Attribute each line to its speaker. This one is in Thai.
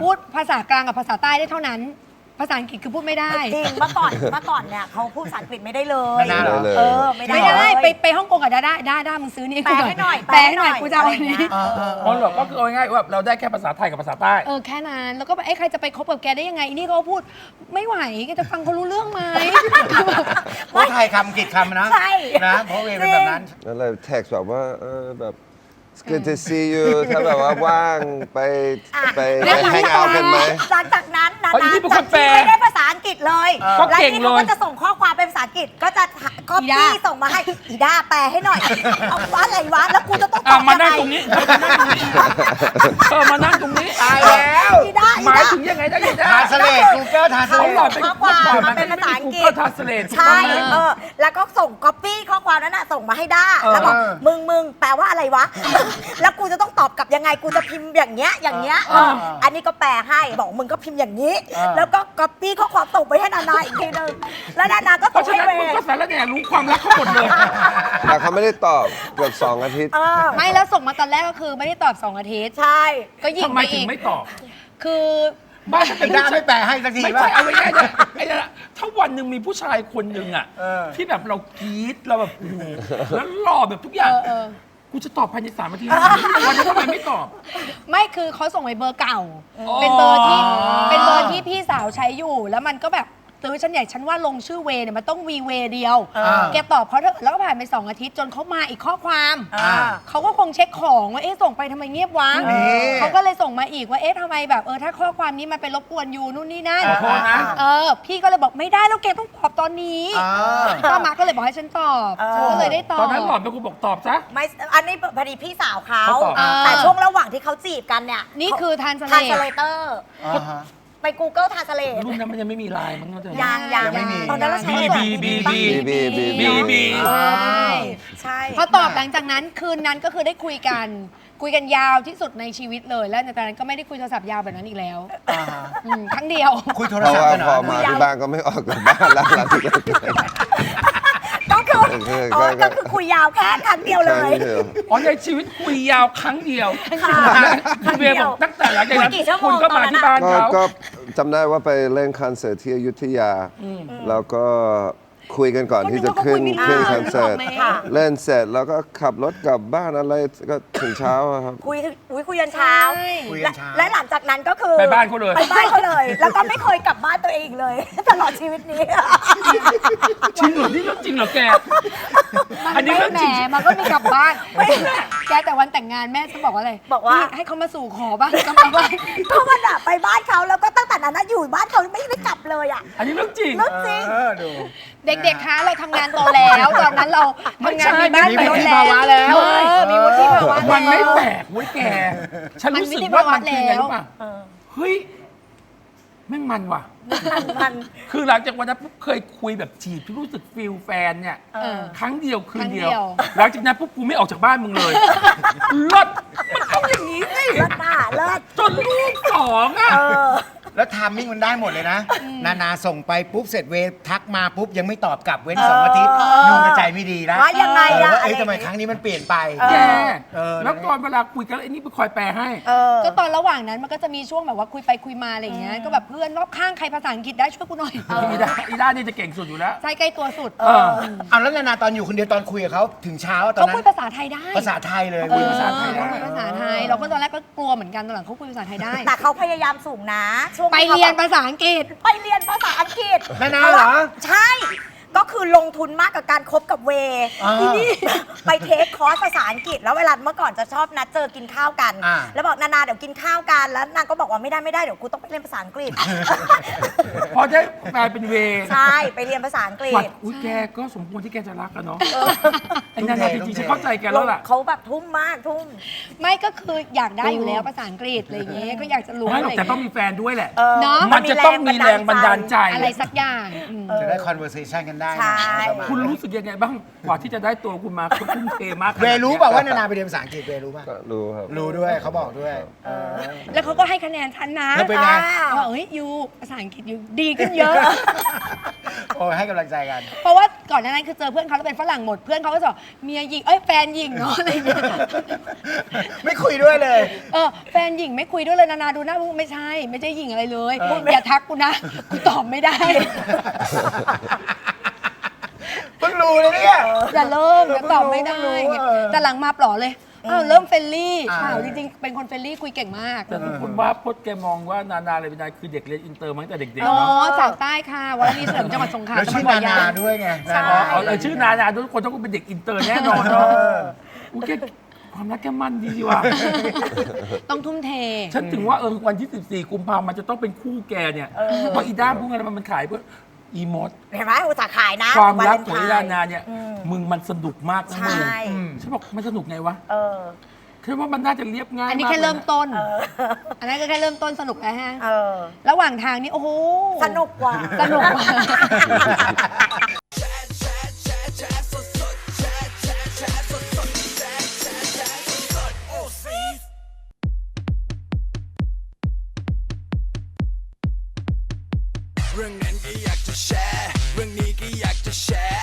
Speaker 1: พูดภาษากลางกับภาษาใต้ได้เท่านั้นภาษาอังกฤษคือพูดไม่ได้
Speaker 2: จริงเมื่อก่อนเนี่ยเขาพูดภาษาอังกฤษไม่ได้เลย
Speaker 3: ไม่ได้เลย
Speaker 2: ไม่
Speaker 1: ได้ไปฮ่องกงกับด้ามึงซื้อนี่
Speaker 2: แปลให้หน่อย
Speaker 1: แปลให้หน่อยกูจะเอาอันนี้
Speaker 4: อ๋อเหรอก็คือเอาง่ายๆว่าเราได้แค่ภาษาไทยกับภาษาใต้
Speaker 1: แค่นั้นแล้วก็แบบใครจะไปคบกับแกได้ยังไงนี่เขาพูดไม่ไหวแกจะฟังเขารู้เรื่องไหม
Speaker 3: เพราะไทยคำอังกฤษคำนะนะเพราะเวเป็นแบบนั้น
Speaker 5: แล้วเลยแท็กแบบว่าแบบ It's good to see you ถ้าแบบว่าว่างไปแฮงเอาท์กันไหม
Speaker 2: หลังจากนั้นนะ
Speaker 4: จากที่
Speaker 2: ไม่ได้ภาษาอังกฤษเลย
Speaker 4: ก็เก่งเลย
Speaker 2: ก็จะส่งข้อความเป็นภาษาอังกฤษก็จะก๊อปปี้ส่งมาให้อีด้าแปลให้หน่อยเอาว่าอะไรวะแล้วกูจะต้องตอบ
Speaker 4: มานั่งตรงนี้มานั่งตรงนี้
Speaker 3: ตายแล้ว
Speaker 4: หมายถึงยังไงนะ
Speaker 3: ทาสเลตกูเกิลทาสเลต
Speaker 2: ข้อความมาเป็นภาษาอังกฤษใช่แล้วก็ส่งก๊อปปี้ข้อความนั้นส่งมาให้ด้าแล้วบอกมึงแปลว่าอะไรวะแล้วกูจะต้องตอบกลับยังไงกูจะพิมพ์อย่างเงี้ยอันนี้ก็แปลให้บอกมึงก็พิมพ์อย่างนี้แล้วก็ก๊อปปี้ข้อความส่งไปให้นานาอีกทีนึงแล้วนานาก็ส่งให้เว
Speaker 4: ย์ก็สารแหน่รู้ความรักเขาหมดเลย
Speaker 5: แต่เขาไม่ได้ตอบเกือบ2 อาทิตย์
Speaker 1: ไม่แล้วส่งมาตอนแรกก็คือไม่ได้ตอบ2 อาทิตย์
Speaker 2: ใช่
Speaker 1: ก็ยิงไปอีก
Speaker 4: ทำไมถึงไม่ตอบ
Speaker 1: คือ
Speaker 3: บ้านเป็นด้าไม่แปลให้สักที
Speaker 4: ว่าเอาไว้ง่ายๆไอ้นั่นถ้าวันหนึ่งมีผู้ชายคนหนึ่งที่แบบเรากรี๊ดเราแบบแล้วหล่อแบบทุกอย่างกูจะตอบภายใน3 นาทีวันนี้ทำไมไม่ตอบ
Speaker 1: ไม่คือเขาส่งไปเบอร์เก่าเป็นเบอร์ที่พี่สาวใช้อยู่แล้วมันก็แบบตื้อฉันใหญ่ฉันว่าลงชื่อเวเนี่ยมันต้องวีเวเดียวแกตอบเขาเถอะแล้วก็ผ่านไป2 อาทิตย์จนเขามาอีกข้อความเขาก็คงเช็คของว่าส่งไปทำไมเงียบวะเขาก็เลยส่งมาอีกว่าทำไมแบบถ้าข้อความนี้มันไปรบกวนอยู่นู่นนี่นั่นพี่ก็เลยบอกไม่ได้แล้วแกต้องตอบตอนนี้ป้ามาก็เลยบอกให้ฉันตอบฉันก็เลยได้ตอบ
Speaker 4: ตอนนั้นหล่อนเป็นคนบอกตอบซะ
Speaker 2: ไม่อันนี้พอดีพี่สาวเขาแต่ช่วงระหว่างที่เขาจีบกันเนี่ย
Speaker 1: นี่คือทันส
Speaker 2: เลเตอร์ไป Google Translate
Speaker 4: รุ่นนั้นมันยังไม่มีไลน์มั้ง
Speaker 2: ยัง
Speaker 3: ไม่มี
Speaker 2: ตอนนั้นเราใช้
Speaker 1: ใช่พอตอบหลังจากนั้นคืนนั้นก็คือได้คุยกันยาวที่สุดในชีวิตเลยแล้วจากนั้นก็ไม่ได้คุยโทรศัพท์ยาวแบบนั้นอีกแล้วครั้งเดียว
Speaker 3: คุยโทรศัพท์
Speaker 5: พอมาที่บ้านก็ไม่ออกจากบ้านแล้ว
Speaker 2: ก็คือคุยยาวแค่ครั้งเดียวเลย
Speaker 4: ในชีวิตคุยยาวครั้งเดียวคุณเบียร์บอกตั้งแต่หลังจากนั้นคุณก็มาที่บ้านเขา
Speaker 5: ก็จำได้ว่าไปเล่นคอนเสิร์ตที่อยุธยาแล้วก็คุยกันก่อนที่จะขึ้นคอนเสิร์ตเล่นเสร็จแล้วก็ขับรถกลับบ้านอะไรก็ถึงเช้าครับ
Speaker 2: คุยยันเช้าและหลังจากนั้นก็คือ
Speaker 4: ไปบ้านเขาเลย
Speaker 2: แล้วก็ไม่เคยกลับบ้านตัวเองเลยตลอดชีวิตนี้
Speaker 4: จริงเหรอนี่เรื่องจริงเหรอแกอันนี้เรื่องจริง
Speaker 1: มันก็มีกลับบ้านแกแต่วันแต่งงานแม่ฉันบอกว่าอะไร
Speaker 2: บอกว่า
Speaker 1: ให้เขามาสู่ขอบ้างกลับมาบ้าน
Speaker 2: ก็มันไปบ้านเขาแล้วก็ตั้งแต่นั้นอยู่บ้านเขาไม่ได้กลับเลย
Speaker 4: อันนี้เรื่องจริง
Speaker 1: เด็กๆคะเราทำงานโตแล้วตอนนั้นเราทำงานมีบ้าน
Speaker 3: มีวุฒิภาวะแล้ว
Speaker 1: มีวุฒิภาวะ
Speaker 4: มันไม่แปลกเว้ยแกฉันรู้สึกว่ามันคือไงรู้ป่ะเฮ้ยแม่งมันว่ะคือหลังจากวันนั้นปุ๊บเคยคุยแบบจีบที่รู้สึกฟิลแฟนเนี่ยครั้งเดียวคืนเดียวหลังจากนั้นปุ๊บกูไม่ออกจากบ้านมึงเลยเลิศมันต้องอย่างนี้สิ
Speaker 2: เลิศ
Speaker 4: จนลูก2
Speaker 3: แล้วไทมิ่งมันได้หมดเลยนะนาส่งไปปุ๊บเสร็จเวทักมาปุ๊บยังไม่ตอบกลับเว้น2 อาทิตย์นูกระใจไม่ดีแล้ว
Speaker 2: ว่ายังไง
Speaker 3: ทำไมครั้งนี้มันเปลี่ยนไป
Speaker 4: แล้วตอนเวลาคุยกันไอ้นี่ไปคอยแปลให้
Speaker 1: ก็ตอนระหว่างนั้นมันก็จะมีช่วงแบบว่าคุยไปคุยมาอะไรอย่างเงี้ยก็แบบเพื่อนรอบข้างใครภาษาอังกฤษได้ช่วยกูหน่อย
Speaker 4: อีด้านี่จะเก่งสุดอยู่แล้ว
Speaker 1: ใช่ใกล้ตัวสุด
Speaker 3: แล้วนาตอนอยู่คนเดียวตอนคุยกับเขาถึงเช้าตอนนั้น
Speaker 1: เขาคุยภาษาไทยได้
Speaker 3: ภาษาไทยเลย
Speaker 1: คุยภาษาไทยได้ภาษาไทยเราก็ตอนแรกก็กลัวเหมือนกันตอนหลังเขาคุยภาษาไทยได้
Speaker 2: แต่เขาพยายามสูงนะช่วง
Speaker 1: ไปเรียนภาษาอังกฤษ
Speaker 3: นาเหรอ
Speaker 2: ใช่ก็คือลงทุนมากกับการคบกับเวนี่ไปเทคคอร์สภาษาอังกฤษแล้วเวลาเมื่อก่อนจะชอบนัดเจอกินข้าวกันแล้วบอกนาเดี๋ยวกินข้าวกันแล้วนางก็บอกว่าไม่ได้เดี๋ยวกูต้องไปเรียนภาษาอังกฤษ
Speaker 4: พอได้กลายเป็นเว
Speaker 2: ใช่ไปเรียนภาษาอังกฤษ
Speaker 4: อุ้ยแกก็สมควรที่แกจะรักกันเนาะไอ้นาจริงๆฉันเข้าใจแกแล้วล่ะ
Speaker 2: เขาแบบทุ่มมากทุ่ม
Speaker 1: ไม่ก็คืออยากได้อยู่แล้วภาษาอังกฤษอะไรอย่างเงี้ยก็อยากจะรู้
Speaker 4: แต่ต้องมีแฟนด้วยแหละ
Speaker 1: เนาะ
Speaker 4: มันจะต้องมีแรงบันดาลใจ
Speaker 1: อะไรสักอย่าง
Speaker 3: จะได้ conversation กันได้ได้
Speaker 2: ใช่
Speaker 3: ประมาณ
Speaker 4: คุณรู้สึกยังไงบ้างกว่าที่จะได้ตัวคุณมาคุณทุ่มเทมากขนาด
Speaker 3: เว
Speaker 4: นี้
Speaker 3: รู้เปล่าว่านานาไปเรียนภาษาอังกฤษเวรู้ป่ะ
Speaker 5: ก็รู้ครับ
Speaker 3: รู้ด้วยเขาบอกด้วย
Speaker 1: แล้วเขาก็ให้คะแนนฉันนะ
Speaker 3: แล้วเป็นไง
Speaker 1: ว่าเฮ้ยยูภาษาอังกฤษยูดีขึ้นเยอะ
Speaker 3: โอ้ให้กำลังใจกัน
Speaker 1: เพราะว่าก่อนหน้านั้นคือเจอเพื่อนเขาแล้วเป็นฝรั่งหมดเพื่อนเขาก็จะบอกเมียหญิงแฟนหญิงเนาะอะไรอย่างเงี้ย
Speaker 3: ไม่คุยด้วยเลย
Speaker 1: แฟนหญิงไม่คุยด้วยเลยนานาดูหน้ามึงไม่ใช่หญิงอะไรเลยอย่าทักกูนะกูตอบไม่ได้
Speaker 3: เพิ่งรู้เลยเนี่ย
Speaker 1: อย่าเริ่มอย่าตอบไม่ได้
Speaker 3: เพิ่งรู้
Speaker 1: แต่หลังมาปลอเลยเริ่มเฟรนลี่จริงๆเป็นคนเฟรนลี่คุยเก่งมาก
Speaker 4: แต่ทุกคนว่าพจน์แกมองว่านานาเลยเป็นนายคือเด็กเรียนอินเตอร์มาตั้งแต่เด็กๆ
Speaker 1: อ๋อ
Speaker 4: เนาะ
Speaker 1: สาวใต้ค่ะวรณีเสริมจังหวัดสงขลา
Speaker 3: แล้ว
Speaker 1: จังห
Speaker 3: ชื่
Speaker 1: วั
Speaker 3: อ
Speaker 1: ดบ่
Speaker 3: นา
Speaker 1: อ
Speaker 3: นา
Speaker 1: ยาง
Speaker 3: ด้วยไง
Speaker 2: ใช่
Speaker 4: ชื่อนานาทุกคนต้องเป็นเด็กอินเตอร์แน่นอนเนาะอุ๊ยแกความรักแกมั่นดีว่ะ
Speaker 1: ต้องทุ่มเท
Speaker 4: ฉันถึงว่าวันที่ 14 กุมภาพันธ์มันจะต้องเป็นคู่แกเนี่ยเพราะอีด้าพวกนั้นมันขายเพื่ออีมด
Speaker 2: เห็นไหมอุตส่าห์ขายนะ
Speaker 4: ความรัก
Speaker 2: เลน
Speaker 4: ของ
Speaker 2: ไท
Speaker 4: อี
Speaker 2: น์
Speaker 4: ดานาเนี่ยมึงมันสนุกมากนะ
Speaker 2: ใช่
Speaker 4: มึงฉันบอกมันสนุกไงวะ
Speaker 2: เออ
Speaker 4: คิดว่ามันน่าจะเรียบง่าย
Speaker 1: อันนี้
Speaker 4: าก
Speaker 1: แค่เริ่มต้น
Speaker 2: เออ
Speaker 1: อันนั้นก็แค่เริ่มต้นสนุกแล้วฮะ
Speaker 2: เออ
Speaker 1: ระหว่างทางนี่โอ้โห
Speaker 2: สนุกกว่า
Speaker 1: สนุกกว่า
Speaker 6: เรื่องนั้นก็อยากจะแชร์ เรื่องนี้ก็อยากจะแชร์